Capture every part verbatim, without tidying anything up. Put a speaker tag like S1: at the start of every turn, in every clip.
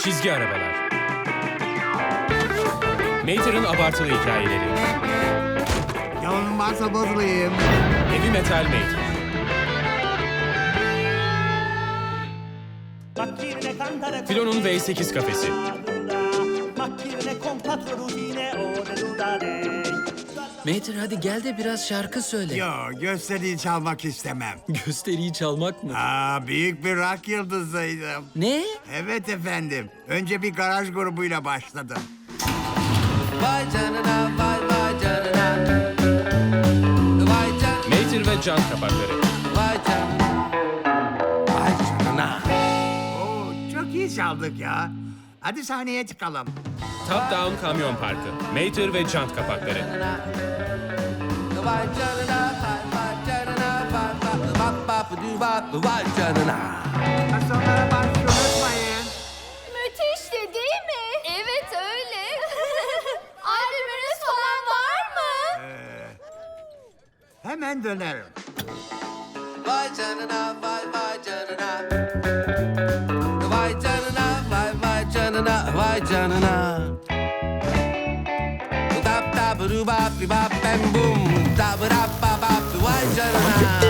S1: Çizgi arabalar. Mater'ın abartılı hikayeleri.
S2: Yolun varsa bozulayım.
S1: Heavy Metal Mater. Filo'nun V sekiz kafesi.
S3: Mater hadi gel de biraz şarkı söyle.
S2: Yo, gösteriyi çalmak istemem.
S3: Gösteriyi çalmak mı?
S2: Aa, büyük bir rock yıldızıydım.
S3: Ne?
S2: Evet efendim. Önce bir garaj grubuyla başladım.
S4: Vay canına, vay vay canına. Vay canına,
S1: Mater ve jant kapakları.
S4: vay canına. Vay canına.
S2: Oo, çok iyi çaldık ya. Hadi sahneye çıkalım.
S1: Top Down Kamyon Parkı. Mater ve jant kapakları.
S4: Vay canına, vay vay canına. Vay vay bap bap du bap vay canına.
S2: Sonlara başlıyor, unutmayın.
S5: Müthişti değil mi? Evet öyle. Albümünüz falan var mı?
S2: Hemen dönerim.
S4: Vay canına, vay vay canına. Vay canına, vay vay canına, vay canına. Tap tap du bap bi bap bam bum. Tap rap bap bap vay canına.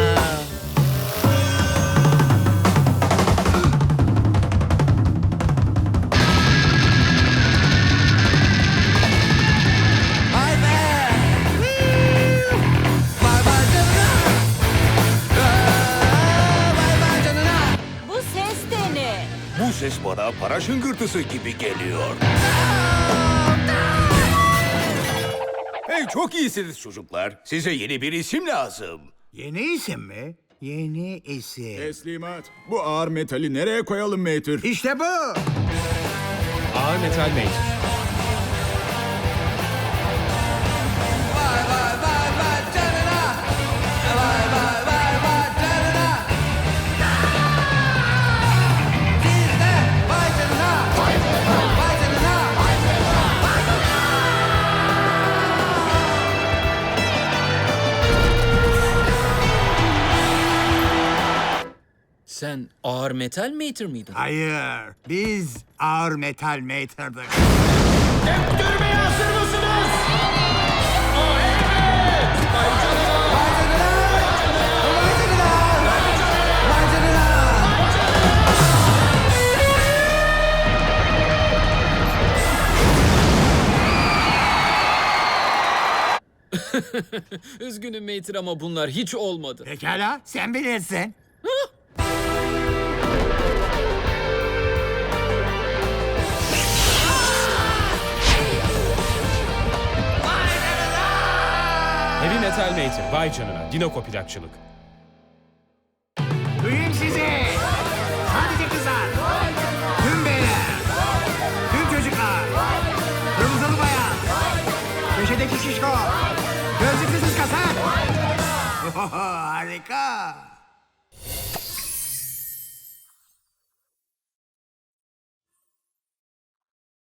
S4: Vay be! Vay vay canına! Vay vay canına!
S5: Bu ses de ne?
S6: Bu ses bana para şıngırtısı gibi geliyor. Hey, çok iyisiniz çocuklar. Size yeni bir isim lazım.
S2: Yeni isim mi? Yeni isim.
S7: Teslimat. Bu ağır metali nereye koyalım Mater?
S2: İşte bu.
S1: Ağır Metal Mater.
S4: Vay vay vay vay canına! Vay vay vay vay canına! Siz de vay canına! Vay canına!
S3: Sen ağır metal Mater miydin?
S2: Hayır. Biz ağır metal mater'dık.
S4: Vay canına!
S3: Üzgünüm Mater ama bunlar hiç olmadı.
S2: Pekala, sen bilirsin.
S1: Heavy Metal Mater. Vay canına. Dinoko plakçılık.
S2: Duyun sizi. Sadece kızlar. Tüm beyler. Tüm çocuklar. Kırmızılı bayan. Köşedeki şişko. Gözlüklü kız kasap. Harika.